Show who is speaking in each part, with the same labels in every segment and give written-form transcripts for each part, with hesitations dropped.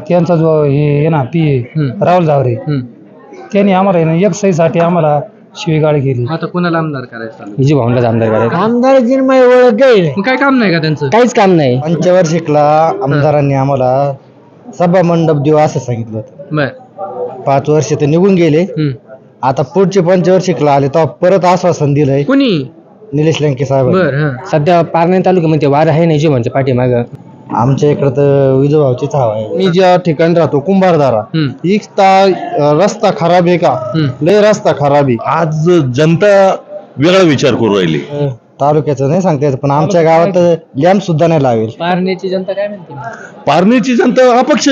Speaker 1: त्यांचा जो हे आहे ना राहुल जावरे त्यांनी आम्हाला आहे ना एक सहीसाठी आम्हाला शिवीगाळ केली.
Speaker 2: आता कोणाला आमदार करायचं?
Speaker 3: विजू भाऊंडाच आमदार करायचं.
Speaker 4: आमदाराची ओळख आहे,
Speaker 2: काय काम नाही का त्यांचं?
Speaker 3: काहीच काम नाही.
Speaker 1: पंचवार्षिकला आमदारांनी आम्हाला सभा मंडप देऊ असं सांगितलं होतं.
Speaker 2: बर
Speaker 1: 5 वर्ष ते निघून गेले. आता पुढचे पंचवार्षिकला आले तेव्हा परत आश्वासन दिलंय
Speaker 2: कोणी?
Speaker 1: निलेश लंके साहेब.
Speaker 2: बर
Speaker 3: सध्या पारणे तालुक्यामध्ये वार आहे नाही जीवनच्या पाठीमाग.
Speaker 1: आमच्या इकडं तर विजूभाऊचीच हवा आहे.
Speaker 5: मी ज्या ठिकाणी राहतो कुंभारदारा, रस्ता खराब आहे का? लय रस्ता खराब आहे.
Speaker 6: आज जनता वेगळा विचार करू राहिली.
Speaker 1: तालुक्याचं नाही सांगता येत, पण आमच्या गावात लॅम्प सुद्धा नाही लावेल.
Speaker 2: पारनेची जनता काय म्हणते?
Speaker 6: पारनेची जनता अपक्ष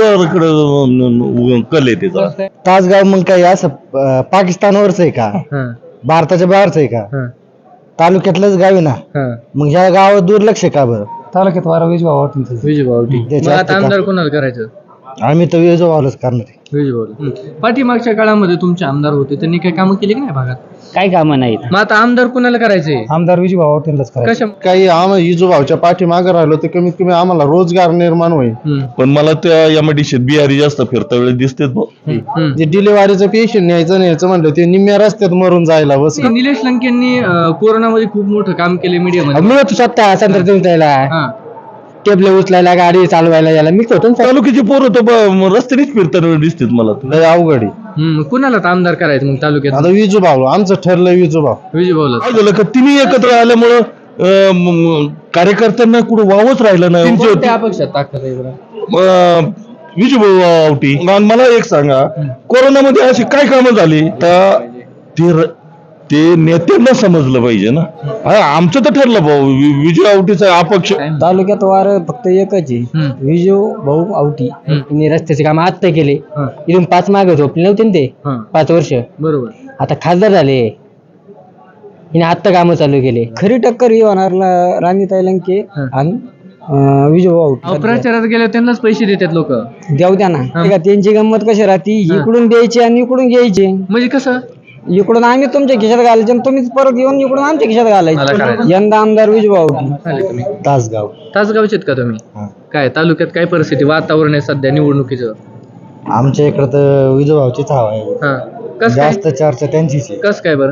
Speaker 6: उमेदवाराकडे कल आहे त्याचा.
Speaker 1: तासगाव मग काही असं पाकिस्तानवरच आहे का? भारताच्या बाहेरच आहे का? तालुक्यातलंच गाव आहे ना. मग ह्या गावात दुर्लक्ष का बरं? तालुक्यात वारा विजूभाऊ
Speaker 2: आता आमदार कोणाला करायचं?
Speaker 1: आम्ही तर विजूभाऊलाच करणार आहे.
Speaker 2: पाठीमागच्या काळामध्ये तुमचे आमदार होते, त्यांनी काही कामं केली की नाही भागात?
Speaker 3: काही कामं नाहीत.
Speaker 2: मग आता आमदार कोणाला करायचे?
Speaker 1: आमदार विजूभाऊ पाटीलच करायचं.
Speaker 2: कशा?
Speaker 5: काही विजूभाऊच्या पाठीमागे राहिलो तर कमीत कमी आम्हाला रोजगार निर्माण होईल.
Speaker 6: पण मला त्या एमआयडीसीत बिहारी जास्त फिरता वेळेस दिसतेच भाऊ.
Speaker 5: जे डिलिव्हरीचं पेशंट न्यायचं म्हणलं ते निम्म्या रस्त्यात मरून जायला बस.
Speaker 2: निलेश लंकेंनी कोरोनामध्ये खूप मोठं काम केले मीडियामध्ये.
Speaker 3: मी होतो स्वतः संत्र देऊन जायला, टेबल उचलायला, गाडी चालवायला यायला मी होतो.
Speaker 6: तालुक्याची पोरं तर रस्त्यानेच फिरताना दिसतेत मला.
Speaker 5: लय अवघड आहे.
Speaker 2: कुणाला आमदार करायचं मग तालुक्यात?
Speaker 5: आता विजूभाऊ आमचं ठरलंय. विजूभाऊ
Speaker 2: विजयभाऊला.
Speaker 6: काय झालं का तिन्ही एकत्र आल्यामुळं कार्यकर्त्यांना कुठं वावच राहिलं नाही.
Speaker 2: कोणत्या अपक्षात ताकद आहे बरं?
Speaker 6: विजूभाऊ आवटी. मला एक सांगा, कोरोनामध्ये अशी काय कामं झाली तर ते नेत्यांना समजलं पाहिजे ना. आमचं तर ठरलं भाऊ विजू आवटीचा अपक्ष.
Speaker 3: तालुक्यात वार फक्त एकच आहे, विजू भाऊ आवटी. यांनी रस्त्याचे काम आत्ता केले. इथून 5 मागे झोपले नव्हते ना ते 5 वर्ष.
Speaker 2: बरोबर.
Speaker 3: आता खासदार झाले, हिने आत्ता कामं चालू केले. खरी टक्कर ही होणार राणीताई लंके आणि विजू भाऊ आवटी.
Speaker 2: प्रचारात गेले त्यांनाच पैसे देतात लोक.
Speaker 3: देऊ द्या ना. त्यांची गंमत कशी राहती, इकडून द्यायची आणि इकडून घ्यायची.
Speaker 2: म्हणजे कसं?
Speaker 3: इकडून आम्ही तुमच्या खिशात घालायचे आणि तुम्हीच परत येऊन इकडून आमच्या खिशात घालायचे. यंदा आमदार विजू भाऊ
Speaker 2: तुम्ही
Speaker 1: तासगावचे
Speaker 2: का तुम्ही? काय तालुक्यात काय परिस्थिती, वातावरण आहे सध्या निवडणुकीचं?
Speaker 1: आमच्या इकडं तर विजूभाऊचीच हवा आहे. जास्त चर्चा त्यांचीच आहे.
Speaker 2: कस काय बरं?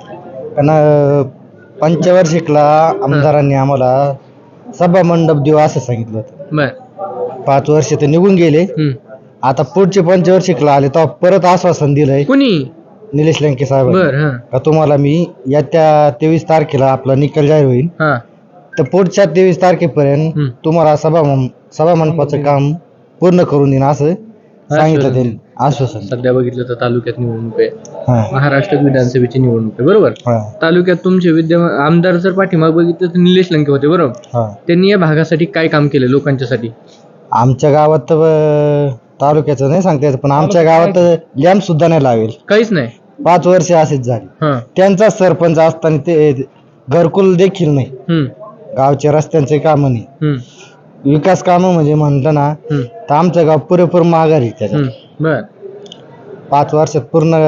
Speaker 1: कारण पंचवार्षिकला आमदारांनी आम्हाला सभा मंडप देऊ असं सांगितलं होतं.
Speaker 2: बर
Speaker 1: 5 वर्ष ते निघून गेले. आता पुढचे पंचवार्षिकला आले तेव्हा परत आश्वासन दिलंय
Speaker 2: कोणी?
Speaker 1: निलेश लंके साहेब.
Speaker 2: बर
Speaker 1: का तुम्हाला मी येत्या 23 तारखेला आपला निकाल जाहीर होईल, तर पुढच्या 23 तारखेपर्यंत तुम्हाला सभा मंडपाचं काम पूर्ण करून देईन असं सांगितलं त्यांनी आश्वासन.
Speaker 2: सध्या बघितलं तर तालुक्यात निवडणूक आहे, महाराष्ट्र विधानसभेची निवडणूक आहे बरोबर. तालुक्यात तुमचे विद्यमान आमदार जर पाठीमाग बघितलं तर निलेश लंके होते बरोबर. त्यांनी या भागासाठी काय काम केलं लोकांच्यासाठी?
Speaker 1: आमच्या गावात तर तालुक्याचं नाही सांगता येत, पण आमच्या गावात लॅम्प सुद्धा नाही लावेल.
Speaker 2: काहीच नाही.
Speaker 1: 5 वर्ष असेच झाली. त्यांचा सरपंच असताना ते घरकुल देखील नाही. गावच्या रस्त्यांचे काम नाही, विकास काम म्हणजे म्हणलं ना तर आमचं गाव पुरेपूर माघारी त्याच्यात. 5 वर्षात पूर्ण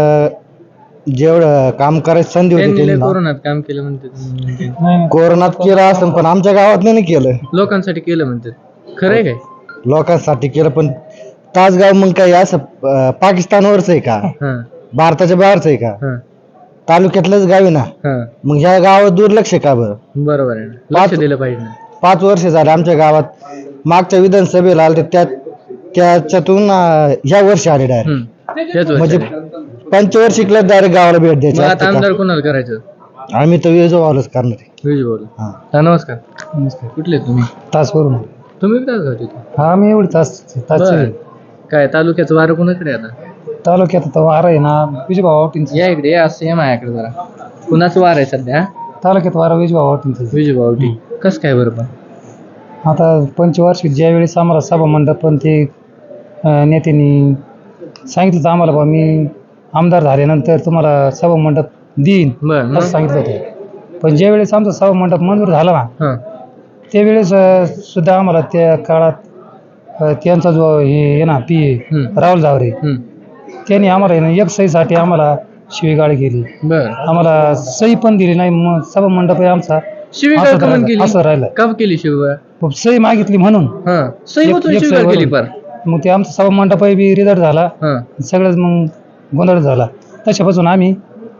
Speaker 1: जेवढं काम करायची संधी होती
Speaker 2: कोरोनात काम केलं म्हणते.
Speaker 1: कोरोनात केलं असं, पण आमच्या गावात नाही केलं.
Speaker 2: लोकांसाठी केलं म्हणते. खरंय काय?
Speaker 1: लोकांसाठी केलं, पण तासगाव मग काही असं पाकिस्तानवरच आहे का? भारताच्या बाहेरच आहे का? तालुक्यातलंच गाव आहे ना. मग ह्या गावात दुर्लक्ष का बरं?
Speaker 2: बरोबर आहे, लक्ष दिलं पाहिजे.
Speaker 1: 5 वर्ष झाले आमच्या गावात. मागच्या विधानसभेला आले त्याच्यातून ह्या वर्षी आले डायरेक्ट. म्हणजे पंचवार्षिकला डायरेक्ट गावाला भेट द्यायची.
Speaker 2: आता आमदार कोणाला करायचं?
Speaker 1: आम्ही तर विजूभाऊलाच करणार आहे.
Speaker 2: विजयभाऊ. नमस्कार. कुठले तुम्ही?
Speaker 1: तासवरून.
Speaker 2: तुम्ही तासगावचे?
Speaker 1: हा, मी एवढी तास.
Speaker 2: काय तालुक्याचं वारं कोणाकडे आता?
Speaker 1: तालुक्यात तर वार आहे ना विजूभाऊ आवटींचं.
Speaker 2: या इकडे असं या माझ्याकडे जरा. कुणाचं वार आहे सध्या
Speaker 1: तालुक्यात वारा विजूभाऊ आवटींचं.
Speaker 2: विजयभाऊ आवटी. कसं काय बरं? पण
Speaker 1: आता पंचवार्षिक ज्या वेळेस आम्हाला सभा मंडप पण ते नेत्यांनी सांगितलं तर आम्हाला, बा मी आमदार झाल्यानंतर तुम्हाला सभा मंडप देईन असं सांगितलं होतं. पण ज्या वेळेस आमचा सभा मंडप मंजूर झाला ना त्यावेळेस सुद्धा आम्हाला त्या काळात त्यांचा जो हे आहे ना राहुल जावरे त्यांनी आम्हाला आहे ना एक सहीसाठी आम्हाला शिवीगाळ केली. आम्हाला सही पण दिली नाही. मग सभा मंडप आहे आमचा
Speaker 2: शिवीगाळ
Speaker 1: असं राहिलं.
Speaker 2: का केली शिवीगाळ?
Speaker 1: सही मागितली म्हणून
Speaker 2: सही केली.
Speaker 1: मग ते आमचा सभा मंडपही बी रिझल्ट झाला,
Speaker 2: हा
Speaker 1: सगळंच मग गोंधळ झाला. तशापासून आम्ही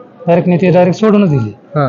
Speaker 1: नेते सोडूनच दिले.
Speaker 2: हा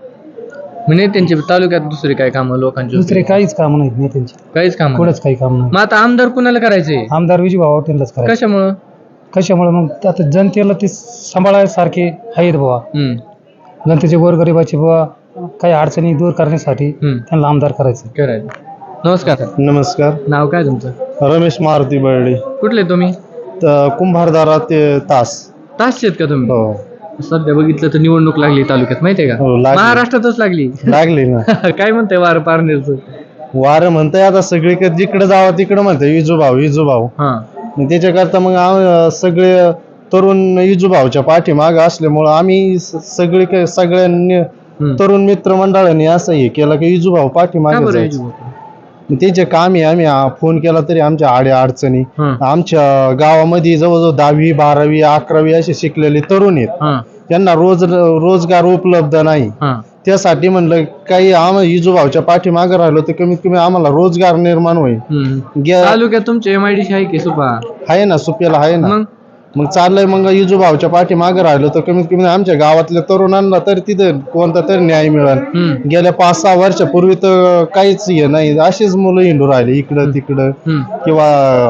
Speaker 2: म्हणजे त्यांचे तालुक्यात दुसरे काय कामं लोकांची
Speaker 1: दुसरे काहीच काम नाही नेत्यांचे,
Speaker 2: काहीच काम
Speaker 1: पुढंच काही काम नाही.
Speaker 2: मग आता आमदार कुणाला करायचंय?
Speaker 1: आमदार विजयभाऊ आवटेंलाच करायचं.
Speaker 2: कशामुळं?
Speaker 1: कशामुळे मग आता जनतेला ते सांभाळायसारखे आहेत बुवा, जनतेचे गोरगरिबाचे बुवा काही अडचणी दूर करण्यासाठी त्यांना आमदार करायचं.
Speaker 2: करायचं. नमस्कार.
Speaker 5: नमस्कार.
Speaker 2: नाव काय तुमचं?
Speaker 5: रमेश मारुती बर्डे.
Speaker 2: कुठले तुम्ही?
Speaker 5: कुंभारदारा ते तास.
Speaker 2: तासचे आहेत का तुम्ही?
Speaker 5: हो.
Speaker 2: सध्या बघितलं तर निवडणूक लागली तालुक्यात, माहितीये का?
Speaker 5: हो, लागली.
Speaker 2: महाराष्ट्रातच लागली.
Speaker 5: लागली ना.
Speaker 2: काय म्हणताय वार पारनेरचं?
Speaker 5: वारं म्हणताय आता सगळीकडे जिकडे जावं तिकडे म्हणताय विजूभाऊ.
Speaker 2: हा
Speaker 5: मग त्याच्याकरता मग सगळे तरुण विजूभाऊच्या पाठीमागं असल्यामुळं आम्ही सगळ्यांनी तरुण मित्र मंडळांनी असं हे केलं की विजूभाऊ
Speaker 2: का
Speaker 5: पाठीमागे
Speaker 2: बरं
Speaker 5: जायचं.
Speaker 2: विजू?
Speaker 5: त्याचे काम आहे. आम्ही फोन केला तरी आमच्या अडचणी आमच्या गावामध्ये जवळजवळ 10वी 12वी 11वी असे शिकलेले तरुण आहेत, त्यांना रोजगार उपलब्ध नाही. त्यासाठी म्हणलं काही विजूभाऊच्या पाठीमागे राहिलो तर कमीत कमी आम्हाला रोजगार निर्माण होईल.
Speaker 2: तालुक्यात तुमचे MIDC आहे की सुपा?
Speaker 5: आहे ना, सुप्याला आहे ना. मग चाललंय मग विजूभाऊच्या पाठीमागे राहिलो तर कमीत कमी आमच्या गावातल्या तरुणांना तर तिथं कोणता तरी न्याय मिळेल. गेल्या 5-6 वर्षापूर्वी तर काहीच हे नाही, अशीच मुलं हिंडू राहिले इकडं तिकडं, किंवा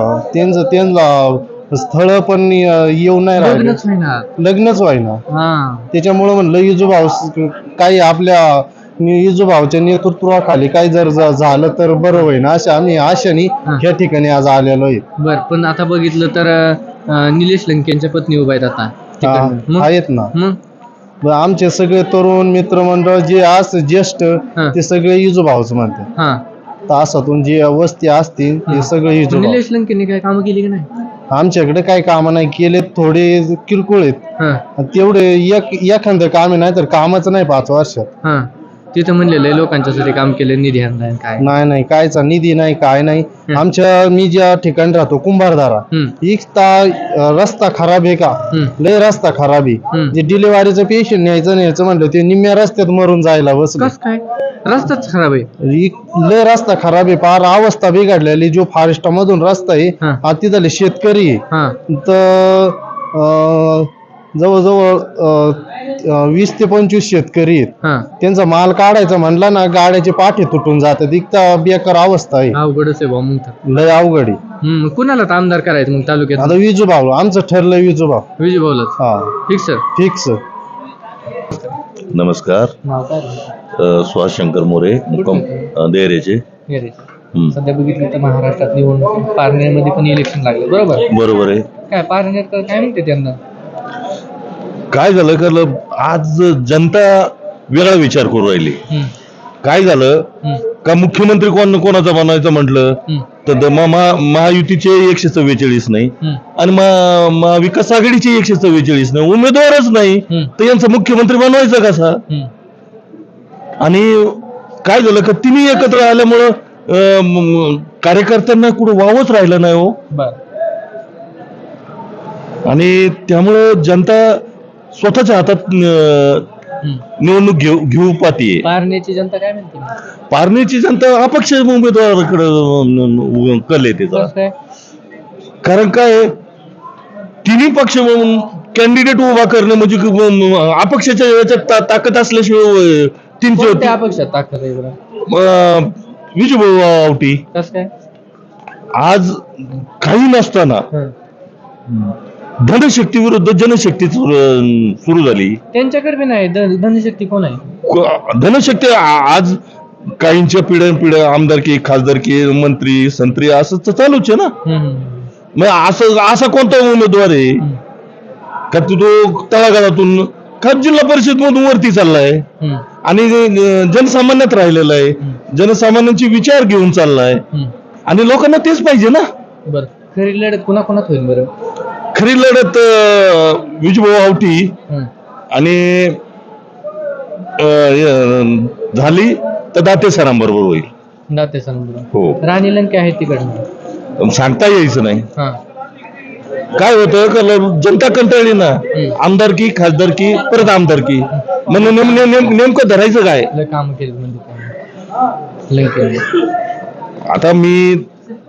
Speaker 5: त्यांना स्थळ पण येऊ नाही राहिले, लग्नच व्हायना. त्याच्यामुळे म्हणलं विजूभाऊ काही आपल्या विजूभाऊच्या नेतृत्वाखाली काही जर झालं तर बरं होईल, असं आम्ही आशाने या ठिकाणी आज आलेलो आहे.
Speaker 2: बर, पण आता बघितलं तर निलेश लंकेंच्या पत्नी उभा आहेत आता.
Speaker 5: आहेत ना. आमचे सगळे तरुण मित्रमंडळ जे ज्येष्ठ ते सगळे विजूभाऊच म्हणतात. तासातून जे वस्ती असतील ते सगळे विजूभाऊ.
Speaker 2: निलेश लंकेंनी काय कामं केली की नाही?
Speaker 5: आमच्याकडे काही कामं नाही केले, थोडे किरकोळ आहेत तेवढे. एखादं काम नाही तर कामच नाही 5 वर्षात.
Speaker 2: तिथं म्हणलेलं आहे लोकांच्यासाठी काम केलं, निधी आणलाय काय?
Speaker 5: नाही, कायचा निधी नाही, काय नाही. मी ज्या ठिकाणी राहतो कुंभारदारा, रस्ता खराब आहे का, लय रस्ता खराब आहे. जे डिलिव्हरीचं पेशंट न्यायचं म्हणलं ते निम्म्या रस्त्यात मरून जायला बसलं.
Speaker 2: काय रस्ताच खराब आहे?
Speaker 5: लय रस्ता खराब आहे, फार अवस्था बिघडलेली. जो फॉरेस्ट मधून रस्ता आहे तिथले शेतकरी आहे तर जवळजवळ 20 ते 25 शेतकरी आहेत. त्यांचा माल काढायचा म्हणला ना गाड्याचे पाठे तुटून जातात, इतका बेकार अवस्था आहे.
Speaker 2: अवघडच आहे मग,
Speaker 5: लय अवघड आहे.
Speaker 2: कुणाला आमदार करायचं मग तालुक्यात?
Speaker 5: आता विजूभाऊ आमचं ठरलं,
Speaker 2: विजूभाऊलाच. फिक्स.
Speaker 6: नमस्कार. सुहास शंकर मोरे, मुक्काम देहरेचे.
Speaker 2: सध्या बघितलं तर महाराष्ट्रात निवडणूक, पारनेरमध्ये पण इलेक्शन लागले, बरोबर आहे. काय पारनेर काय म्हणते त्यांना?
Speaker 6: काय झालं आज जनता वेगळा विचार करू राहिली. काय झालं का मुख्यमंत्री कोणाचा बनायचं म्हटलं तर महायुतीचे 144 नाही आणि महाविकास आघाडीचे 144 नाही, उमेदवारच नाही, तर यांचा मुख्यमंत्री बनवायचा कसा? आणि काय झालं का तिन्ही एकत्र आल्यामुळं कार्यकर्त्यांना कुठं वावच राहिलं नाही हो. आणि त्यामुळं जनता स्वतःच्या हातात निवडणूक घेऊ पाहतीये.
Speaker 2: पारनेरची जनता काय म्हणते?
Speaker 6: पारनेरची जनता अपक्ष उमेदवाराकडे कल आहे त्याचा. कारण काय तिन्ही पक्ष कॅन्डिडेट उभा करणे म्हणजे अपक्षाच्या याच्यात ताकद असल्याशिवाय तीनशे
Speaker 2: अपक्षात ताकद आहे.
Speaker 6: विजूभाऊ आवटी
Speaker 2: काय
Speaker 6: आज काही नसताना धनशक्ती विरुद्ध जनशक्ती सुरू झाली.
Speaker 2: त्यांच्याकडे बी नाही धनशक्ती. कोण आहे
Speaker 6: धनशक्ती? आज काहींच्या पिढ्या आमदारकी, खासदारकी, मंत्री संत्री असं चालूच आहे ना. मग असा कोणता उमेदवार आहे का तो तळागाळातून का जिल्हा परिषद मधून वरती चाललाय आणि जनसामान्यात राहिलेला आहे, जनसामान्यांचे विचार घेऊन चाललाय आणि लोकांना तेच पाहिजे ना.
Speaker 2: बरं, खरी लढत कोणाकोणात होईल? बरं,
Speaker 6: खरी लढत विजूभाऊ आवटी आणि झाली तर दाते सरांबरोबर होईल.
Speaker 2: दाते सरांबरोबर?
Speaker 6: हो.
Speaker 2: राणी लंके आहेत तिकडनं,
Speaker 6: सांगता यायचं नाही. काय होतं का जनता कंटाळली ना, आमदारकी खासदारकी परत आमदारकी, म्हणून नेमकं धरायचं काय?
Speaker 2: काम केलं म्हणजे
Speaker 6: आता मी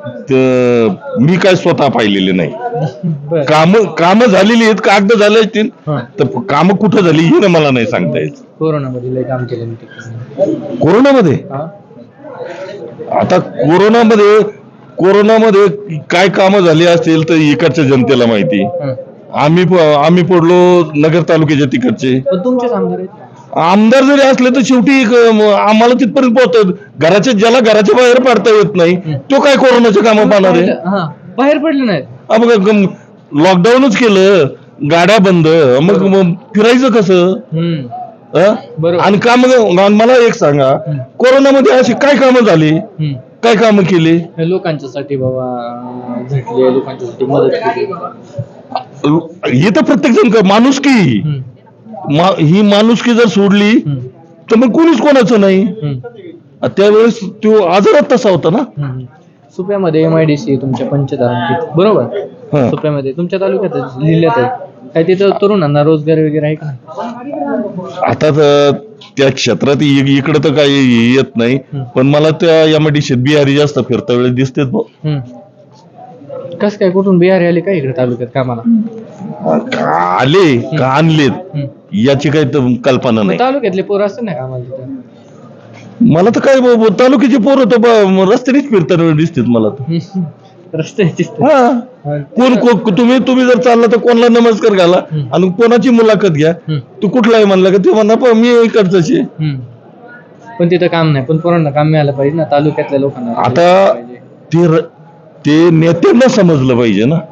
Speaker 6: मी काय स्वतः पाहिलेले नाही.
Speaker 2: बर
Speaker 6: काम झालेली आहेत, कागद झाले असतील,
Speaker 2: हा.
Speaker 6: तर काम कुठं झाली हे मला नाही सांगता येत.
Speaker 2: कोरोनामध्ये लय काम केलं मी तिकडे.
Speaker 6: कोरोनामध्ये
Speaker 2: हा?
Speaker 6: आता कोरोनामध्ये काय कामं झाली असतील तर इकडच्या जनतेला माहिती.
Speaker 2: हं.
Speaker 6: आम्ही पडलो नगर तालुक्याच्या तिकडचे
Speaker 2: पण तुमचेच आमदार आहेत.
Speaker 6: आमदार जरी असले तर शेवटी आम्हाला तिथपर्यंत पोहोचतात. ज्याला घराच्या बाहेर पडता येत नाही तो काय कोरोनाचे कामं पाहणार आहे.
Speaker 2: हा, बाहेर पडले नाहीत.
Speaker 6: लॉकडाऊनच केलं, गाड्या बंद, मग फिरायचं कसं?
Speaker 2: बरोबर.
Speaker 6: आणि काम मला एक सांगा, कोरोनामध्ये अशी काय कामं झाली, काय कामं केली?
Speaker 2: लोकांच्यासाठी बाबा झटले, लोकांच्यासाठी मदत केली.
Speaker 6: हे तर प्रत्येक जण माणुसकी, ही माणुसकी जर सोडली तर मग कोणीच कोणाचं नाही. त्यावेळेस तो आजारात तसा होता ना.
Speaker 2: सुप्यामध्ये MIDC तुमच्या पंचतारांकित, बरोबर.
Speaker 6: हा.
Speaker 2: सुप्यामध्ये तुमच्या तालुक्यात जिल्ह्यात आहे काय, तिथं तरुणांना रोजगार वगैरे आहे का?
Speaker 6: आता तर त्या क्षेत्रात इकडे तर काही येत नाही, पण मला त्या MIDC बिहारी जास्त फिरता वेळेस दिसतेच भाऊ.
Speaker 2: कस काय, कुठून बिहारी आले काय इकडे तालुक्यात कामाला?
Speaker 6: आले का आणलेत याची काही कल्पना नाही.
Speaker 2: तालुक्यातले पोरं असतात ना कामाला तिथं.
Speaker 6: मला तर काय तालुक्याचे पोरं तर रस्त्यानेच फिरताना दिसतात मला तर.
Speaker 2: रस्त्याची
Speaker 6: तुम्ही जर चालला तर कोणाला नमस्कार घाला आणि कोणाची मुलाखत घ्या. तू कुठला आहे म्हणला का ते म्हणा मी इकडचाच आहे.
Speaker 2: पण तिथं काम नाही, पण पोरांना काम मिळालं पाहिजे ना तालुक्यातल्या लोकांना.
Speaker 6: आता ते नेत्यांना समजलं पाहिजे ना.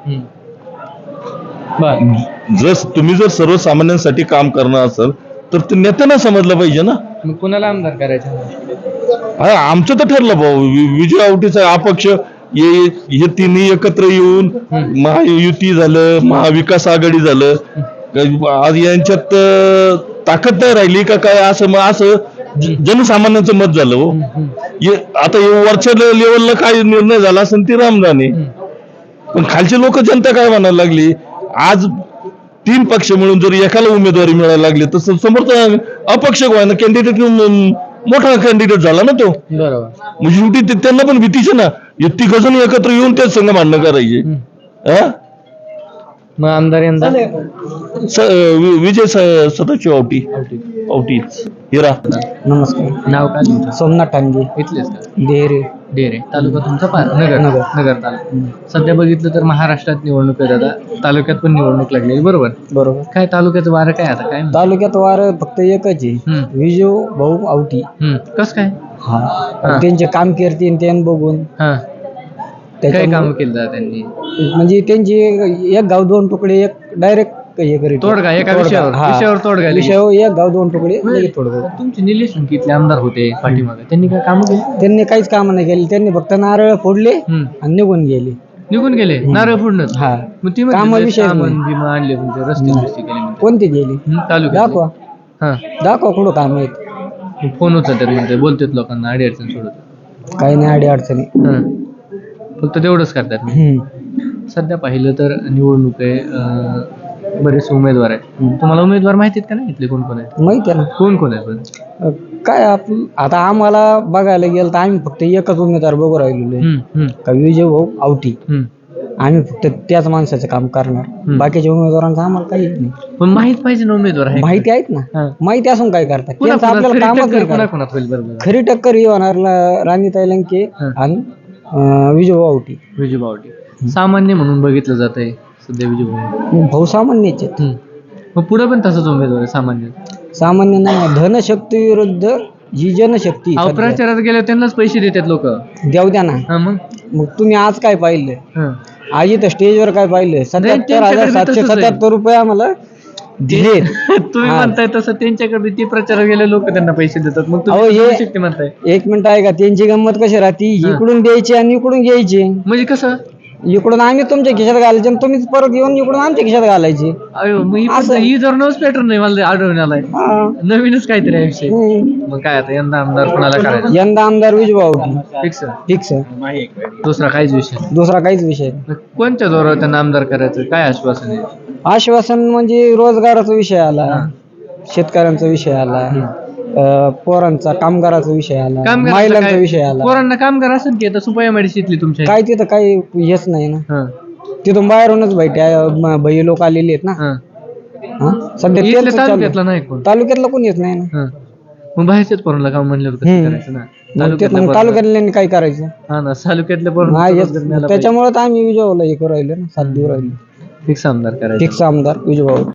Speaker 6: तुम्ही जर सर्वसामान्यांसाठी काम करणार असाल तर ते नेत्यांना समजलं पाहिजे ना.
Speaker 2: मग कुणाला आमदार करायचं?
Speaker 6: आमचं तर ठरलं भाऊ, विजय आवटीचा अपक्ष हे तिन्ही एकत्र येऊन महायुती झालं, महाविकास आघाडी झालं. आज यांच्यात ताकद नाही राहिली का काय, असं जनसामान्यांचं मत झालं हो. आता वरच्या लेवलला काय निर्णय झाला असेल ती राम जाणे, पण खालचे लोक जनता काय म्हणायला लागली. आज 3 पक्ष मिळून जर एकाला उमेदवारी मिळायला लागली तर समोरचा अपक्ष कॅन्डिडेट मोठा कॅन्डिडेट झाला ना तो.
Speaker 2: बरोबर.
Speaker 6: म्हणजे शेवटी त्यांना पण भीतीचे ना, तिघ जण एकत्र येऊन त्याच संघ भांडणं करायचे.
Speaker 2: मग आमदार यंदा
Speaker 6: विजय सदाशिव आवटी हिरा.
Speaker 3: नमस्कार.
Speaker 2: नाव काय तुमचं?
Speaker 3: सोमनाथ टांगे,
Speaker 2: इथलेच का?
Speaker 3: डेरे
Speaker 2: तालुका तुमचा नगर तालुका. सध्या बघितलं तर महाराष्ट्रात निवडणूक आहे दादा, तालुक्यात पण निवडणूक लागलेली, बरोबर. काय तालुक्याचं वारं काय आता काय?
Speaker 3: तालुक्यात वार फक्त एकच आहे, विजय भाऊ आवटी.
Speaker 2: कस काय?
Speaker 3: त्यांचे काम करते त्यांनी बघून
Speaker 2: काय काम केलं दादा त्यांनी?
Speaker 3: म्हणजे त्यांची एक गाव 2 तुकडे, एक डायरेक्ट हे करीत
Speaker 2: तोडगा एका विषयावर तोडगा
Speaker 3: विषयावर एक गाव 2 तुकडे लगेच तोडगा.
Speaker 2: तुमचे निलेश लंकेतले आमदार होते पाठीमागे, त्यांनी काय काम केली?
Speaker 3: त्यांनी काहीच काम नाही केली, त्यांनी फक्त नारळ फोडले आणि निघून गेले.
Speaker 2: नारळ फोडणं.
Speaker 3: हा,
Speaker 2: मग ती
Speaker 3: कामाविषयी
Speaker 2: भीमा आणले तुमचे रस्ते केले
Speaker 3: कोणते गेले
Speaker 2: तालुक्यात.
Speaker 3: दाखवा कुठं काम आहेत.
Speaker 2: फोन उचलतात म्हणते, बोलतात लोकांना, अडचण सोडत
Speaker 3: काही नाही अडी अडचणी,
Speaker 2: फक्त तेवढंच करतात. सध्या पाहिलं तर निवडणूक आहे, बरेचसे उमेदवार आहेत. तुम्हाला उमेदवार माहिती आहेत का नाही इथले कोण कोण आहेत?
Speaker 3: माहिती आहे ना.
Speaker 2: कोण आहेत पण?
Speaker 3: काय आता आम्हाला बघायला गेलं तर आम्ही फक्त एकच उमेदवार बघू राहिलेलो का विजय भाऊ आवटी. आम्ही फक्त त्याच माणसाचं काम करणार, बाकीच्या उमेदवारांचं आम्हाला काही नाही.
Speaker 2: पण माहित पाहिजे ना उमेदवार आहे.
Speaker 3: माहिती आहेत ना, माहिती असून काय करतात त्यांचं आपल्याला कामच नाही. खरी टक्कर ही होणार राणीताई लंके आणि विजय भाऊ आवटी.
Speaker 2: सामान्य म्हणून बघितलं जात आहे सध्या विजय
Speaker 3: भाऊ सामान्यच आहेत.
Speaker 2: मग पुढे पण तसंच उमेदवार आहे
Speaker 3: सामान्य नाही. धनशक्ती विरुद्ध जी जनशक्ती.
Speaker 2: प्रचारात गेले त्यांनाच पैसे देतात लोक,
Speaker 3: देऊ द्या ना. मग तुम्ही आज काय पाहिलं, आज इथं स्टेजवर काय पाहिलं, 77,777 रुपये आम्हाला दिले.
Speaker 2: तुम्ही म्हणताय तसं त्यांच्याकडे ते प्रचारात गेले लोक त्यांना पैसे देतात. मग तुम्ही म्हणताय.
Speaker 3: एक मिनिट आहे का, त्यांची गंमत कशी राहते, इकडून द्यायची आणि इकडून घ्यायची.
Speaker 2: म्हणजे कसं,
Speaker 3: इकडून आम्ही तुमच्या खिशात घालायचे आणि तुम्हीच परत येऊन इकडून आमच्या खिशात घालायचे.
Speaker 2: ही जर नवच पॅटर्न नाही मला आढळून आलाय, नवीनच काहीतरी आहे विषय. मग काय आता यंदा आमदार कोणाला करायचं?
Speaker 3: यंदा आमदार विजय भाऊ
Speaker 2: फिक्स. दुसरा काहीच विषय कोणत्या जोरावर त्यांना आमदार करायचं, काय आश्वासन आहे?
Speaker 3: आश्वासन म्हणजे रोजगाराचा विषय आला, शेतकऱ्यांचा विषय आला, पोरांचा कामगाराचा विषय आला,
Speaker 2: कामगाराचं
Speaker 3: महिलांचा
Speaker 2: काय?
Speaker 3: विषय आला.
Speaker 2: पोरांना कामगार असेल की आता सुपया मेडिसितली तुमच्या
Speaker 3: काय तिथं काही हेच नाही ना,
Speaker 2: हा,
Speaker 3: तिथून बाहेरूनच भैया लोक आलेले आहेत ना.
Speaker 2: हा.
Speaker 3: हा? सध्या
Speaker 2: इथल्या
Speaker 3: तेच चालू आहे.
Speaker 2: तालुक्यातला नाही कोण.
Speaker 3: तालुक्यातला कोणी येत नाही ना.
Speaker 2: हा. मग बाहेरच्याच पोरांना काम म्हणलं होतं कसं करायचं ना. तालुक्यातल्या पोरांना-
Speaker 3: तालुक्यातल्यांनी काय करायचं.
Speaker 2: हा ना, तालुक्यातल्या पोरांना
Speaker 3: त्याच्यामुळे तर आम्ही विजयला हे करू राहिलो ना, साथ देऊ राहिलो.
Speaker 2: फिक्स आमदार करायचं.
Speaker 3: फिक्स आमदार विजयभाऊ.